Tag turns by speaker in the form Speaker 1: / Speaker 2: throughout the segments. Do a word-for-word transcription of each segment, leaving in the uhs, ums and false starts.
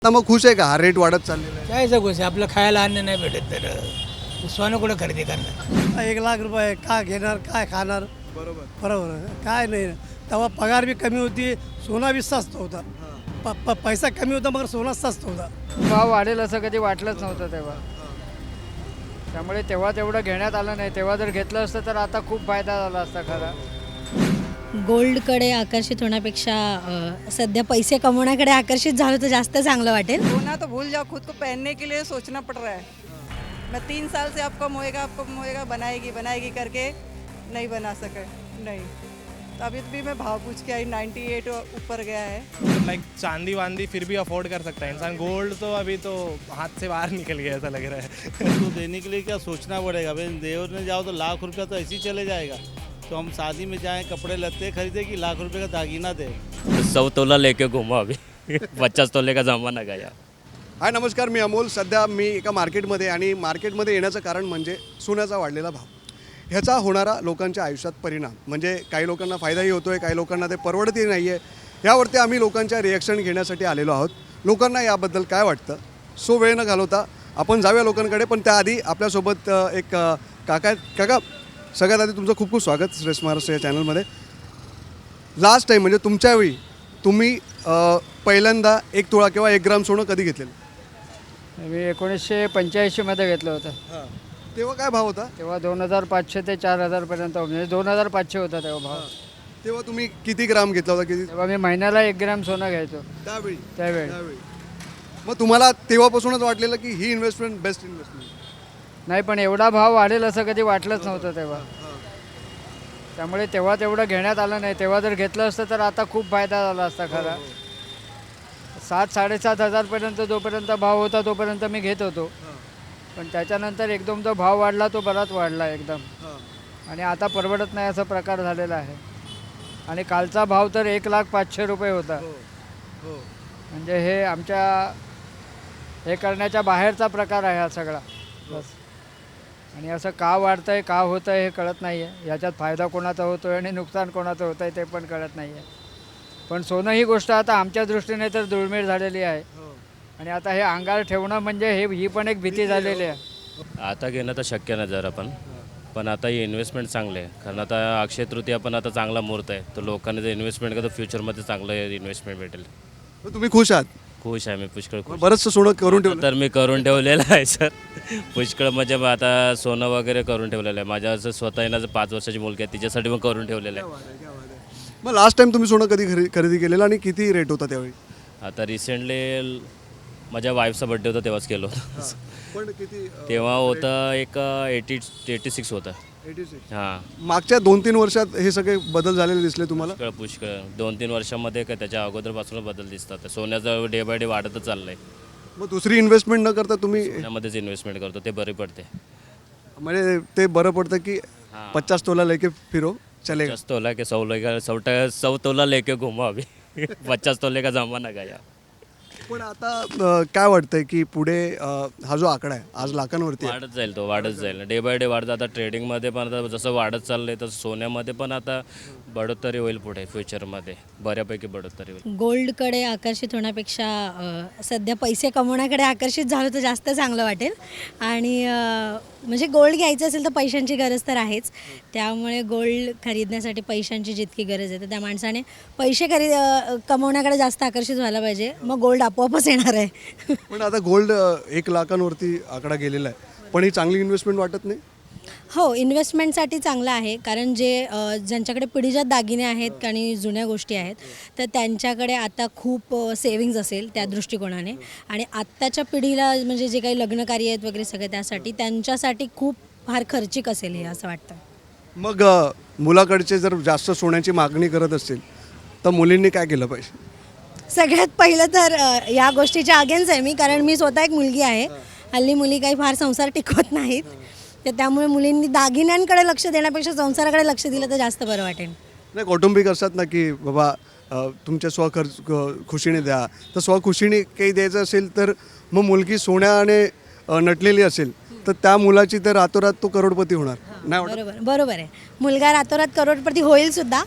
Speaker 1: आता मग खुश आहे का? हा रेट वाढत चाललेला आहे.
Speaker 2: काय जगूस आपलं खायला अन्न नाही भेटत तर सोनं कुठं खरेदी करणार.
Speaker 3: एक लाख रुपये काय घेणार काय खाणार
Speaker 1: बरोबर.
Speaker 3: बरोबर आहे. काय नाही तेव्हा पगार बी कमी होती, सोना बी स्वस्त होता. प प पैसा कमी होता मगर सोना स्वस्त होता.
Speaker 4: भाव वाढेल असं कधी वाटलंच नव्हतं तेव्हा. त्यामुळे तेव्हा तेवढं घेण्यात आलं नाही. तेव्हा जर घेतलं असतं तर आता खूप फायदा झाला असता खरा.
Speaker 5: गोल्डकडे आकर्षित होण्यापेक्षा अ, सध्या पैसे कमवण्याकडे आकर्षित झालं तर जास्त चांगलं वाटेल.
Speaker 6: सोना तो भूल जाओ, खुद को पहनने के लिए सोचना पड़ रहा है. मैं तीन साल से आपको मोएगा आपको मोएगा बनाएगी बनाएगी करके नहीं बना सके. नहीं तो अभी भी मैं भाव पूछ के आई, नाइन्टी एट ऊपर गया है.
Speaker 7: लाइक चांदी वांदी फिर भी अफोर्ड कर सकता है इंसान. गोल्ड तो अभी तो हाथ से बाहर निकल गया ऐसा लग रहा है.
Speaker 8: तो देने के लिए क्या सोचना पड़ेगा भाई. देवने जाओ तो लाख रुपया तो ऐसे ही चले जाएगा. तो हम शादी में जाएं कपड़े लत्ते खरीदे कि लाख रुपए का दागीना दे.
Speaker 9: सौ तोला लेके घुमा अभी पचास तोले का जमाना गया.
Speaker 1: हाय नमस्कार, मी अमोल. सध्या मी एका मार्केटमध्ये आणि मार्केटमध्ये येण्याचं कारण म्हणजे सोन्याचा वाढलेला भाव. ह्याचा होणारा लोकांच्या आयुष्यात परिणाम म्हणजे काही लोकांना फायदाही होतो आहे, काही लोकांना ते परवडतही नाही आहे. यावरती आम्ही लोकांच्या रिॲक्शन घेण्यासाठी आलेलो आहोत. लोकांना याबद्दल काय वाटतं, सो वेळ न घालवता आपण जाऊया लोकांकडे. पण त्याआधी आपल्यासोबत अ, एक अ, काका आहेत. काका, सगळ्यात आधी तुमचं खूप खूप स्वागत श्रेष्ठ महाराष्ट्र या चॅनलमध्ये. लास्ट टाईम म्हणजे तुमच्या वेळी तुम्ही अ, पहिल्यांदा एक तोळा किंवा एक ग्राम सोनं कधी घेतलेलं?
Speaker 4: मी एकोणीसशे पंच्याऐंशीमध्ये घेतलं होतं.
Speaker 1: हां, तेव्हा काय भाव होता?
Speaker 4: तेव्हा दोन हजार पाचशे ते चार हजारपर्यंत म्हणजे दोन हजार पाचशे होता तेव्हा भाव.
Speaker 1: तेव्हा तुम्ही किती ग्राम घेतला होता? किती
Speaker 4: तेव्हा मी महिन्याला एक ग्रॅम सोनं घ्यायचो
Speaker 1: त्यावेळी?
Speaker 4: त्यावेळी.
Speaker 1: त्यावेळी मग तुम्हाला तेव्हापासूनच वाटलेलं की ही इन्व्हेस्टमेंट बेस्ट इन्व्हेस्टमेंट?
Speaker 4: नाही, पण एवढा भाव वाढेल असं कधी वाटलंच नव्हतं तेव्हा. त्यामुळे तेव्हा तेवढं घेण्यात आलं नाही. तेव्हा जर घेतलं असतं तर आता खूप फायदा झाला असता खरा. सात साडेसात हजारपर्यंत जोपर्यंत भाव होता तोपर्यंत मी घेत होतो. पण त्याच्यानंतर एकदम जो भाव वाढला तो बराच वाढला एकदम. आणि आता परवडत नाही असा प्रकार झालेला आहे. आणि कालचा भाव तर एक लाख पाचशे रुपये होता. म्हणजे हे आमच्या हे करण्याच्या बाहेरचा प्रकार आहे हा सगळा. बस. आणि असं का वाढतं आहे, का होतं आहे हे कळत नाही आहे. याच्यात फायदा कोणाचा होतो आहे आणि नुकसान कोणाचं होतं आहे ते पण कळत नाही आहे. पण सोनं ही गोष्ट आता आमच्या दृष्टीने तर दुर्मिळ झालेली आहे. आणि आता हे अंगावर ठेवणं म्हणजे हे ही पण एक भीती झालेली आहे.
Speaker 9: आता घेणं तर शक्य नाही जरा पण पण आता ही इन्व्हेस्टमेंट चांगली आहे. कारण आता अक्षय तृतीया पण आता चांगला मुहूर्त आहे. तर लोकांनी जर इन्व्हेस्टमेंट केलं तर फ्युचरमध्ये चांगलं इन्व्हेस्टमेंट भेटेल.
Speaker 1: मग तुम्ही खुश आहात?
Speaker 9: खुश आहे मी, पुष्कळ खुश.
Speaker 1: बरंचसं सोनं करून ठेवलं?
Speaker 9: तर मी करून ठेवलेलं आहे सर. पुष्कळ म्हणजे मग आता सोनं वगैरे करून ठेवलेलं आहे. माझ्या असं स्वतः येण्याचं पाच वर्षाची मुलगी आहे, तिच्यासाठी मग करून ठेवलेलं आहे.
Speaker 1: मग लास्ट टाइम तुम्ही सोनं कधी खरेदी खरेदी केलेलं आणि किती रेट होता त्यावेळी?
Speaker 9: आता रिसेंटली माझ्या वाईफचा बड्डे होता तेव्हाच केलं होतं.
Speaker 1: पण किती?
Speaker 9: तेव्हा होतं एक एटी एटी सिक्स होतं.
Speaker 1: Eighty six.
Speaker 9: हां,
Speaker 1: मागच्या दोन तीन वर्षात हे सगळे बदल झालेले दिसले तुम्हाला?
Speaker 9: पुष्कळ पुष्कळ दोन तीन वर्षामध्ये काय त्याच्या अगोदरपासूनच बदल दिसतात. सोन्याचं डे बाय डे वाढतच चाललं आहे.
Speaker 1: मग दुसरी इन्व्हेस्टमेंट न करता तुम्ही
Speaker 9: सोन्यामध्येच इन्व्हेस्टमेंट करतो, ते बरी पडते.
Speaker 1: म्हणजे ते बरं पडतं की
Speaker 9: हां.
Speaker 1: पचास तोला लेके फिरो चलेगा?
Speaker 9: पचास तोला के सौ लेके सौ सौ तोला लेके घुमा अभी पचास तोले का जमाना गया.
Speaker 1: पण आता अ, काय वाटतंय की पुढे अ, हा जो आकडा आहे आज लाखांवरती आहे.
Speaker 9: वाढत जाईल, तो वाढत जाईल डे बाय डे वाढत. आता ट्रेडिंगमध्ये पण आता जसं वाढत चाललंय तसं सोन्यामध्ये पण आता बढोतरी होईल पुढे फ्युचरमध्ये, बऱ्यापैकी बढोतरी होईल.
Speaker 5: गोल्डकडे आकर्षित होण्यापेक्षा अ, सध्या पैसे कमवण्याकडे आकर्षित झालं तर जास्त चांगलं वाटेल. आणि अ, म्हणजे गोल्ड घ्यायचं असेल तर पैशांची गरज तर आहेच. त्यामुळे गोल्ड खरीदण्यासाठी पैशांची जितकी गरज आहे तर त्या माणसाने पैसे खरेदी अ, कमवण्याकडे जास्त आकर्षित व्हायला पाहिजे. मग गोल्ड आपोआपच येणार आहे.
Speaker 1: पण आता गोल्ड अ, एक लाखांवरती आकडा गेलेला आहे. पण ही चांगली इन्व्हेस्टमेंट वाटत नाही?
Speaker 5: हो, इन्व्हेस्टमेंटसाठी चांगलं आहे. कारण जे अ, ज्यांच्याकडे पिढीजात दागिने आहेत आणि जुन्या गोष्टी आहेत तर त्यांच्याकडे आता खूप सेविंग्ज असेल त्या दृष्टिकोनाने. आणि आत्ताच्या पिढीला म्हणजे जे काही लग्नकार्य आहेत वगैरे सगळे त्यासाठी त्यांच्यासाठी खूप फार खर्चिक असेल हे असं वाटतं.
Speaker 1: मग अ, मुलाकडचे जर जास्त सोन्याची मागणी करत असतील तर मुलींनी काय केलं पाहिजे?
Speaker 5: सगळ्यात पहिलं तर अ, या गोष्टीच्या अगेन्स्ट आहे मी. कारण मी स्वतः एक मुलगी आहे. हल्ली मुली काही फार संसार टिकवत नाहीत. तर त्यामुळे मुलींनी दागिन्यांकडे लक्ष देण्यापेक्षा संसाराकडे लक्ष दिलं तर जास्त बरं वाटेल.
Speaker 1: नाही, कौटुंबिक असतात ना की बाबा अ, तुमच्या स्वखर्च क- खुशीने द्या. तर स्वखुशीने काही द्यायचं असेल तर मग मुलगी सोन्याने अ, नटलेली असेल तर त्या मुलाची तर रातोरात तो करोडपती होणार नाही वाटत?
Speaker 5: बरोबर बरोबर आहे. मुलगा रातोरात करोडपती होईल सुद्धा.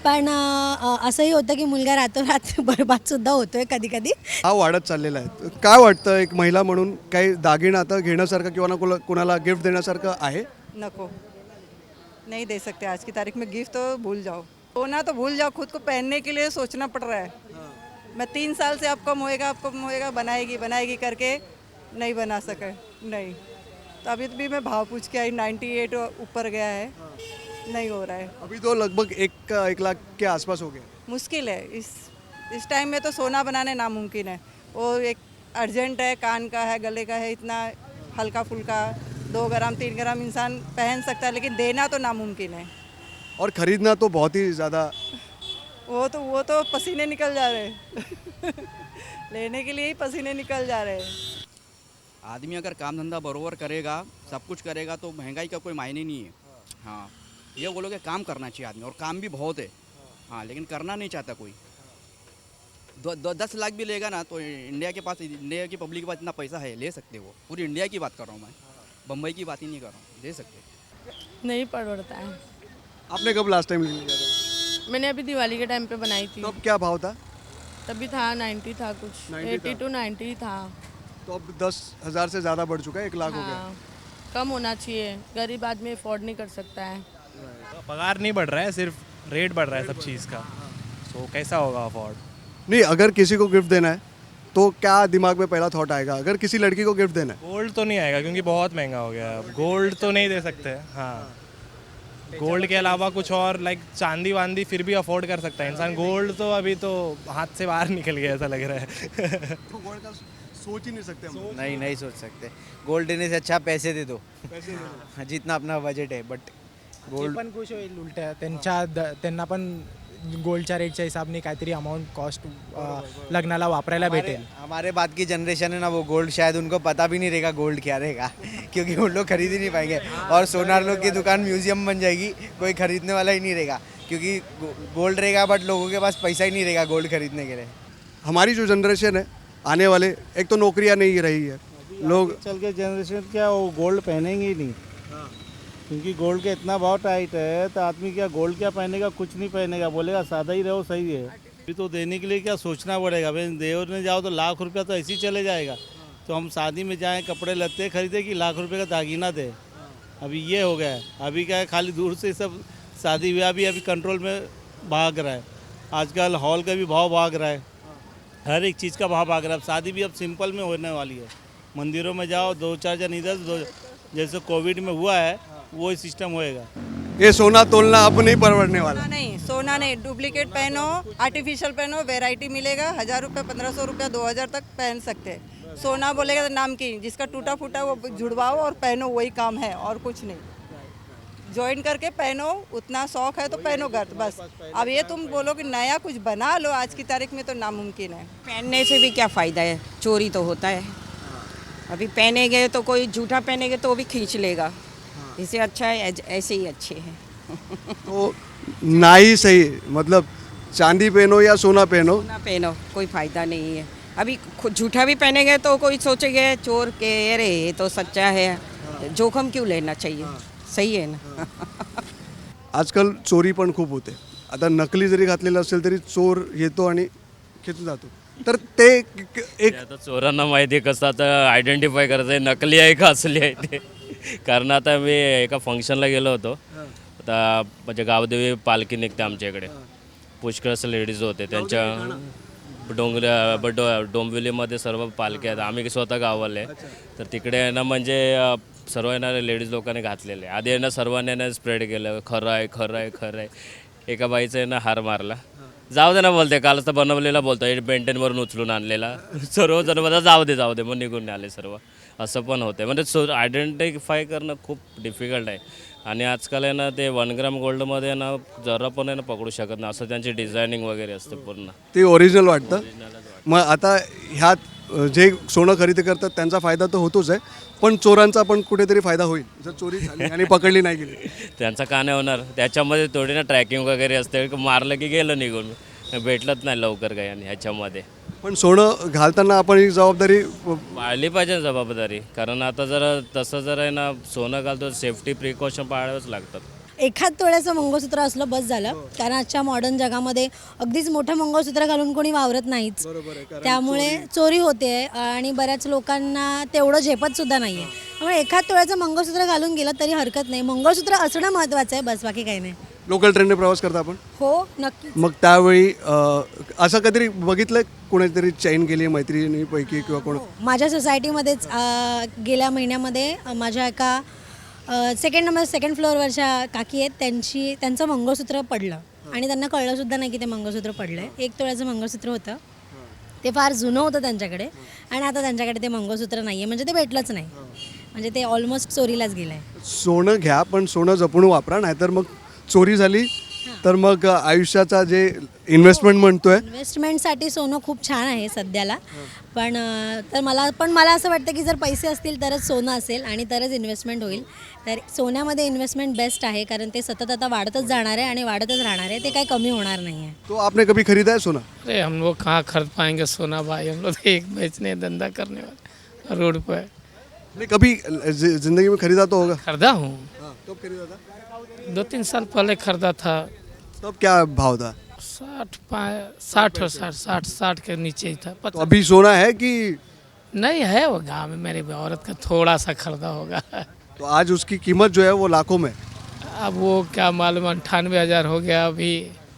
Speaker 5: पण अ, असंही होतं की मुलगा रातोरात बरबादसुद्धा होतो आहे कधी कधी.
Speaker 1: हा वाढत चाललेला आहे. काय वाटतं एक महिला म्हणून काही दागिना आता घेण्यासारखं किंवा ना कोला- कोणाला गिफ्ट देण्यासारखं आहे?
Speaker 6: नको, नहीं दे सकते आज की तारीख में गिफ्ट, तो भूल जाओ। सोना तो भूल जाओ, खुद को पहनने के लिए सोचना पड़ रहा है। मैं तीन साल से आपको होएगा आपको होएगा बनाएगी बनाएगी करके नहीं बना सके, नहीं। तो अभी भी मैं भाव पूछ के आई, नाइन्टी एट ऊपर गया है, नहीं हो रहा है।
Speaker 1: अभी तो लगभग एक का एक लाख के आसपास हो गया.
Speaker 6: मुश्किल है इस इस टाइम में तो सोना बनाने नामुमकिन है। वो एक अर्जेंट है, कान का है, गले का है, इतना हल्का फुल्का दो ग्राम तीन ग्राम इंसान पहन सकता है, लेकिन देना तो नामुमकिन है।
Speaker 1: और खरीदना तो बहुत ही ज़्यादा.
Speaker 6: वो तो वो तो पसीने निकल जा रहे हैं लेने के लिए ही पसीने निकल जा रहे हैं।
Speaker 10: आदमी अगर काम धंधा बरोबर करेगा, सब कुछ करेगा, तो महंगाई का कोई मायने नहीं है। हाँ, ये बोलो कि काम करना चाहिए आदमी, और काम भी बहुत है। हाँ, लेकिन करना नहीं चाहता कोई। दो, दो दस लाख भी लेगा ना तो इंडिया के पास, इंडिया की पब्लिक के पास इतना पैसा है, ले सकते वो। पूरी इंडिया की बात कर रहा हूँ मैं, बम्बई की बात ही नहीं कर रहा हूँ, दे सकते।
Speaker 11: नहीं पड़ता है।
Speaker 1: आपने कब लास्ट टाइम लिया था?
Speaker 11: मैंने अभी दिवाली के टाइम पे बनाई थी,
Speaker 1: तब क्या भाव था?
Speaker 11: तभी था नाइन्टी था कुछ,
Speaker 1: नब्बे
Speaker 11: एटी
Speaker 1: था।
Speaker 11: टू नाइन्टी था।
Speaker 1: तो अब दस हज़ार से ज़्यादा बढ़ चुका है, एक लाख हो गया.
Speaker 11: हाँ, कम होना चाहिए, गरीब आदमी अफोर्ड नहीं कर सकता है।
Speaker 7: पगार नहीं बढ़ रहा है, सिर्फ रेट बढ़ रहा है सब चीज़ का, तो कैसा होगा अफोर्ड?
Speaker 1: नहीं, अगर किसी को गिफ्ट देना है तो क्या दिमाग में पहला थॉट आएगा? अगर किसी लड़की को गिफ्ट देना है,
Speaker 7: गोल्ड तो नहीं आएगा क्योंकि बहुत महंगा हो गया है। गोल्ड तो नहीं दे सकते। हाँ, गोल्ड के अलावा कुछ और लाइक चांदी वांदी फिर भी अफोर्ड कर सकता है इंसान। गोल्ड तो अभी तो हाथ से बाहर निकल गया ऐसा लग रहा है
Speaker 1: तो गोल्ड का सोच ही नहीं सकते हम.
Speaker 12: नहीं नहीं सोच सकते. गोल्ड देने से अच्छा पैसे दे दो,
Speaker 1: पैसे दे दो.
Speaker 12: हाँ, जितना अपना बजेट आहे. बट गोल्ड
Speaker 13: पण खुश होईल उलट्या त्यांच्या द- त्यांना पण गोल्डच्या रेटच्या हिसाबने काहीतरी अमाऊंट कॉस्ट लग्नाला वापरायला भेटेल.
Speaker 12: हमारे बाद की जनरेशन है ना, वो गोल्ड शायद उनको पता भी नहीं रहेगा गोल्ड क्या रहेगा क्योंकि वो लोग खरीद ही नहीं पाएंगे. और सोनार लोग की दुकान म्यूजियम बन जाएगी, कोई खरीदने वाला ही नहीं रहेगा क्योंकि गोल्ड रहेगा बट लोगों के पास पैसा ही नहीं रहेगा गोल्ड खरीदने के लिए.
Speaker 1: हमारी जो जनरेशन है आने वाले, एक तो नौकरियां नहीं रही है, लोग
Speaker 8: चल के जनरेशन क्या वो गोल्ड पहनेंगे ही नहीं, क्योंकि गोल्ड का इतना भाव टाइट है, तो आदमी क्या गोल्ड क्या पहनेगा, कुछ नहीं पहनेगा, बोलेगा सादा ही रहो सही है. अभी तो देने के लिए क्या सोचना पड़ेगा. भाई देवने जाओ तो लाख रुपया तो ऐसे ही चले जाएगा. तो हम शादी में जाएं कपड़े लत्ते खरीदे कि लाख रुपए का दागीना दे. अभी ये हो गया है. अभी क्या है, खाली दूर से सब शादी ब्याह भी अभी कंट्रोल में भाग रहा है. आजकल हॉल का भी भाव भाग रहा है, हर एक चीज़ का भाव भाग रहा है. अब शादी भी अब सिंपल में होने वाली है. मंदिरों में जाओ, दो चार जन इधर, दो जैसे कोविड में हुआ है वो ही सिस्टम होएगा.
Speaker 1: ये सोना तोलना अब नहीं परवड़ने वाला.
Speaker 6: सोना नहीं, सोना नहीं, डुप्लीकेट पहनो, आर्टिफिशियल पहनो, वैरायटी मिलेगा, हज़ार रुपये पंद्रह सौ रुपया दो हज़ार तक पहन सकते हैं. सोना बोलेगा तो नाम की, जिसका टूटा फूटा वो जुड़वाओ और पहनो, वही काम है और कुछ नहीं. ज्वाइन करके पहनो, उतना शौक है तो पहनो घर बस. अब ये तुम बोलो कि नया कुछ बना लो आज की तारीख में, तो नामुमकिन है.
Speaker 14: पहनने से भी क्या फ़ायदा है, चोरी तो होता है. अभी पहनेंगे तो कोई झूठा पहनेंगे तो भी खींच लेगा. इससे अच्छा है ऐसे ही अच्छे हैं.
Speaker 1: तो ना ही सही, मतलब चांदी पहनो या सोना पहनो,
Speaker 14: ना पहनो, कोई फ़ायदा नहीं है. अभी खुद झूठा भी पहनेंगे तो कोई सोचेंगे चोर के, अरे ये तो सच्चा है, जोखम क्यों लेना चाहिए. सही है ना.
Speaker 1: आजकाल चोरी पण खूप होते. आता नकली जरी घातलेलं असेल तरी चोर येतो आणि खेचून जातो. तर ते एक एक-
Speaker 9: आता चोरांना माहिती आहे कसं आता आयडेंटिफाय करायचं आहे नकली आहे का असली आहे ते. कारण आता मी एका फंक्शनला गेलो होतो, आता म्हणजे गावदेवी पालखी निघते आमच्या इकडे, पुष्कळ असं लेडीज होते त्यांच्या डोंगऱ्या ब डो डोंबिवलीमध्ये सर्व पालख्या आहेत. आम्ही स्वतः गावाले, तर तिकडे आहे ना म्हणजे अ, सर्व आहे ना लेडीज लोकांनी घातलेले. आधी आहे ना सर्वांनी आहे ना स्प्रेड केलं, खरं आहे खरं आहे खरं आहे. एका बाईचं आहे ना हार मारला, जाऊ दे ना बोलते, कालच तर बनवलेला बोलतो, बेंटेनवरून उचलून आणलेला. सर्वजण मला जाऊ दे जाऊ दे मग निघून आले सर्व. असं पण होते, म्हणजे सो आयडेंटिफाय करणं खूप डिफिकल्ट आहे. आणि आजकाल आहे ना ते वन ग्राम गोल्डमध्ये ना जरा पण आहे ना पकडू शकत नाही, असं त्यांची डिझायनिंग वगैरे असते पूर्ण.
Speaker 1: ते ओरिजिनल वाटतं. मग आता ह्यात जे सोनं खरेदी करतात त्यांचा फायदा तर होतोच आहे, पण चोरांचा पण कुठेतरी फायदा होईल जर चोरी झाली आणि पकडली नाही गेली.
Speaker 9: त्यांचा का नाही होणार, त्याच्यामध्ये थोडी ना ट्रॅकिंग वगैरे असते, मारलं की गेलं निघून, भेटलंच नाही लवकर काही. आणि ह्याच्यामध्ये
Speaker 1: पण सोनं घालताना आपण ही जबाबदारी
Speaker 9: पाळली पाहिजे जबाबदारी. कारण आता जर तसं जर आहे ना सोनं घालतो सेफ्टी प्रिकॉशन पाळावेच लागतात.
Speaker 5: एखाद तोळ्याचं मंगळसूत्र असलं बस झालं, कारण आजच्या मॉडर्न जगामध्ये अगदीच मोठं मंगळसूत्र घालून कोणी वावरत नाहीच, त्यामुळे चोरी होते आणि बऱ्याच लोकांना तेवढं झेपत सुद्धा नाही आहे. त्यामुळे एखाद तोळ्याचं मंगळसूत्र घालून गेलं तरी हरकत नाही, मंगळसूत्र असणं महत्त्वाचं आहे, बस बाकी काही नाही.
Speaker 1: लोकल ट्रेनने प्रवास करता आपण?
Speaker 5: हो नक्की.
Speaker 1: मग त्यावेळी अ, असं कधीतरी बघितलं कोणीतरी चैन केली मैत्रिणीपैकी किंवा कोण?
Speaker 5: माझ्या सोसायटीमध्येच अ, गेल्या महिन्यामध्ये अ, माझ्या एका सेकंड नंबर सेकंड फ्लोअरवरच्या काकी आहेत, त्यांची त्यांचं मंगळसूत्र पडलं आणि त्यांना कळलंसुद्धा नाही की ते मंगळसूत्र पडलं आहे. एक तोळ्याचं मंगळसूत्र होतं, ते फार जुनं होतं त्यांच्याकडे आणि आता त्यांच्याकडे ते मंगळसूत्र नाही आहे, म्हणजे ते भेटलंच नाही, म्हणजे ते ऑलमोस्ट चोरीलाच गेलं आहे.
Speaker 1: सोनं घ्या पण सोनं जपून वापरा, नाहीतर मग चोरी झाली तर मग आयुष्याचा जे इन्व्हेस्टमेंट म्हणतोय.
Speaker 5: इन्व्हेस्टमेंटसाठी सोनं खूप छान आहे सध्याला, पण अ, तर मला पण मला असं वाटतं की जर पैसे असतील तरच सोनं असेल आणि तरच इन्व्हेस्टमेंट होईल. तर सोन्यामध्ये इन्व्हेस्टमेंट बेस्ट आहे, कारण ते सतत आता वाढतच जाणार आहे आणि वाढतच राहणार आहे, ते काही कमी होणार नाही आहे.
Speaker 1: तो आपने कभी खरीदा है सोना?
Speaker 2: अरे हम लोग कहाँ खरीद पाएंगे सोना भाई, हम लोग एक बेचने धंधा करने वाले रोड पर.
Speaker 1: नहीं, कभी जि- जिंदगी में खरीदा तो होगा?
Speaker 2: खरीदा हूँ,
Speaker 1: कब खरीदा था?
Speaker 2: दो तीन साल पहले खरीदा था.
Speaker 1: तब क्या भाव था?
Speaker 2: साठ पाए साठ और साठ साठ साठ के नीचे ही था.
Speaker 1: तो
Speaker 2: पता
Speaker 1: अभी सोना है कि?
Speaker 2: नहीं है, वो गाँव में मेरी औरत का थोड़ा सा खरीदा होगा.
Speaker 1: तो आज उसकी कीमत जो है वो लाखों में.
Speaker 2: अब वो क्या मालूम, अंठानवे हजार हो गया अभी.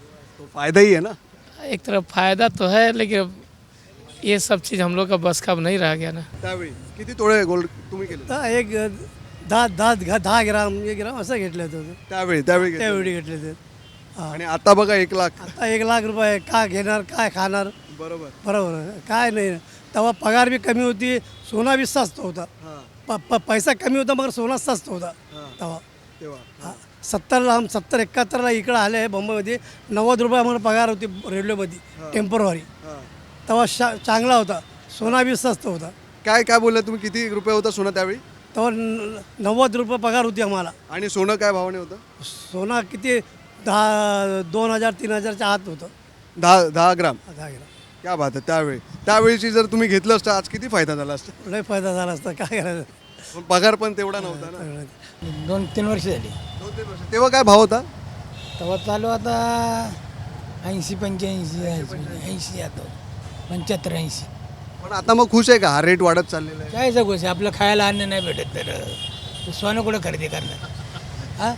Speaker 1: तो फायदा ही है ना.
Speaker 2: एक तरफ फायदा तो है, लेकिन ये सब चीज़ हम लोग का बस का अब नहीं रह गया ना.
Speaker 1: त्यावेळी किती तोळे गोल्ड तुम्ही केले?
Speaker 3: तर एक दहा दहा दहा ग्राम एक ग्राम असं घेतलं होतं
Speaker 1: त्यावेळी त्यावेळी घेतले.
Speaker 3: त्यावेळी घेतले ते.
Speaker 1: आणि आता बघा एक लाख.
Speaker 3: आता एक लाख रुपये का घेणार, काय खाणार?
Speaker 1: बरोबर.
Speaker 3: बरोबर आहे. काय नाही, तेव्हा पगार बी कमी होती, सोना बी स्वस्त होता. प प- पैसा कमी होता मगर सोना स्वस्त होता तेव्हा.
Speaker 1: तेव्हा
Speaker 3: सत्तरला आम सत्तर एकाहत्तरला इकडं आले आहे मुंबईमध्ये, नव्वद रुपये आम्हाला पगार होती रेल्वेमध्ये टेम्परवारी. तेव्हा शा चांगला होता, सोना बी स्वस्त होता.
Speaker 1: काय काय बोलला तुम्ही, किती रुपये होता सोनं त्यावेळी?
Speaker 3: तेव्हा न- नव्वद रुपये पगार होती आम्हाला.
Speaker 1: आणि सोनं काय भावाने होतं?
Speaker 3: सोना किती दहा दोन हजार तीन हजारच्या आत होतं.
Speaker 1: दहा दहा ग्राम.
Speaker 3: दहा ग्राम.
Speaker 1: क्या बात आहे. त्यावेळी त्यावेळीची जर तुम्ही घेतलं असतं आज किती फायदा झाला असता.
Speaker 3: लय फायदा झाला असता, काय करायचं.
Speaker 1: पण पगार पण तेवढा नव्हता ना.
Speaker 2: दोन तीन वर्ष झाली.
Speaker 1: दोन तीन वर्ष. तेव्हा काय भाव होता?
Speaker 2: तेव्हा चालू आता ऐंशी पंच्याऐंशी ऐंशी आता पंच्याहत्तर ऐंशी.
Speaker 1: पण आता मग खुश आहे का? हा रेट वाढत चाललेला आहे.
Speaker 2: काय जगू आपलं खायला अन्न नाही भेटत तर सोनं कुठं खरेदी करणार. हा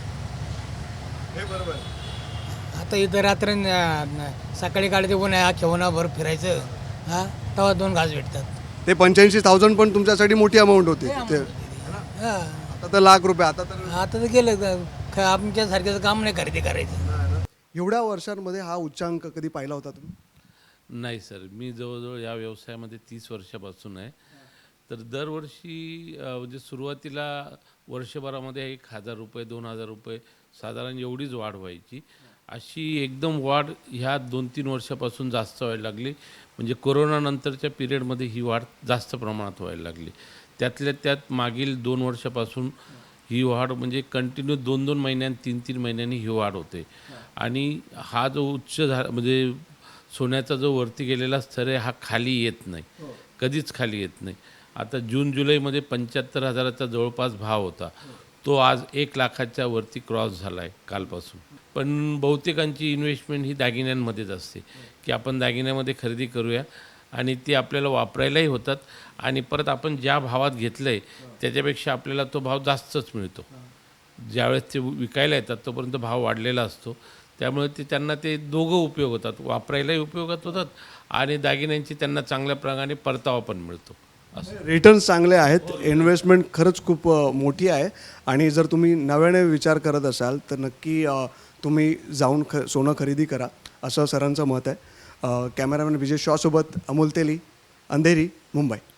Speaker 1: हे बरोबर.
Speaker 2: आता इथं रात्र न- सकाळी काढते उन्हा अख्ख्या उन्हाभर फिरायचं, हा तेव्हा दोन घास भेटतात.
Speaker 1: ते पंच्याऐंशी थाउजंड पण तुमच्यासाठी मोठी अमाऊंट होती. ते
Speaker 2: हा
Speaker 1: आता तर लाख रुपये. आता तर
Speaker 2: आता तर गेलं तर ख- आमच्यासारख्याचं काम नाही खरेदी करायचं.
Speaker 1: एवढ्या वर्षांमध्ये हा उच्चांक कधी पाहिला होता तुम्ही?
Speaker 15: नाही सर, मी जवळजवळ या व्यवसायामध्ये तीस वर्षापासून आहे. तर दरवर्षी अ, म्हणजे सुरुवातीला वर्षभरामध्ये एक हजार रुपये दोन हजार रुपये साधारण एवढीच वाढ व्हायची. अशी एकदम वाढ ह्या दोन तीन वर्षापासून जास्त व्हायला लागली. म्हणजे कोरोनानंतरच्या पिरियडमध्ये ही वाढ जास्त प्रमाणात व्हायला लागली. त्यातल्या त्यात मागील दोन वर्षापासून ही वाढ म्हणजे कंटिन्यू दोन दोन महिन्यांनी तीन तीन महिन्यांनी ही वाढ होते. आणि हा जो उच्च झा म्हणजे सोन्याचा जो वरती गेलेला स्तर आहे हा खाली येत नाही, कधीच खाली येत नाही. आता जून जुलैमध्ये पंच्याहत्तर हजाराचा जवळपास भाव होता, तो आज एक लाखाच्या वरती क्रॉस झाला आहे कालपासून. पण बहुतेकांची इन्व्हेस्टमेंट ही दागिन्यांमध्येच असते, की आपण दागिन्यामध्ये खरेदी करूया आणि ती आपल्याला वापरायलाही होतात आणि परत आपण ज्या भावात घेतलं आहे त्याच्यापेक्षा आपल्याला तो भाव जास्तच मिळतो. ज्यावेळेस ते विकायला येतात तोपर्यंत भाव वाढलेला असतो. त्यामुळे ते त्यांना ते दोघं उपयोग होतात, वापरायलाही उपयोगात होतात आणि दागिन्यांची त्यांना चांगल्या प्रकारे परतावा पण मिळतो.
Speaker 1: रिटर्न्स चांगले आहेत. इन्व्हेस्टमेंट खरंच खूप अ, मोठी आहे. आणि जर तुम्ही नव्याने विचार करत असाल तर नक्की अ, तुम्ही जाऊन ख सोनं खरेदी करा असं सरांचं मत आहे. कॅमेरामॅन विजय शॉसोबत अमोल तेली, अंधेरी, मुंबई.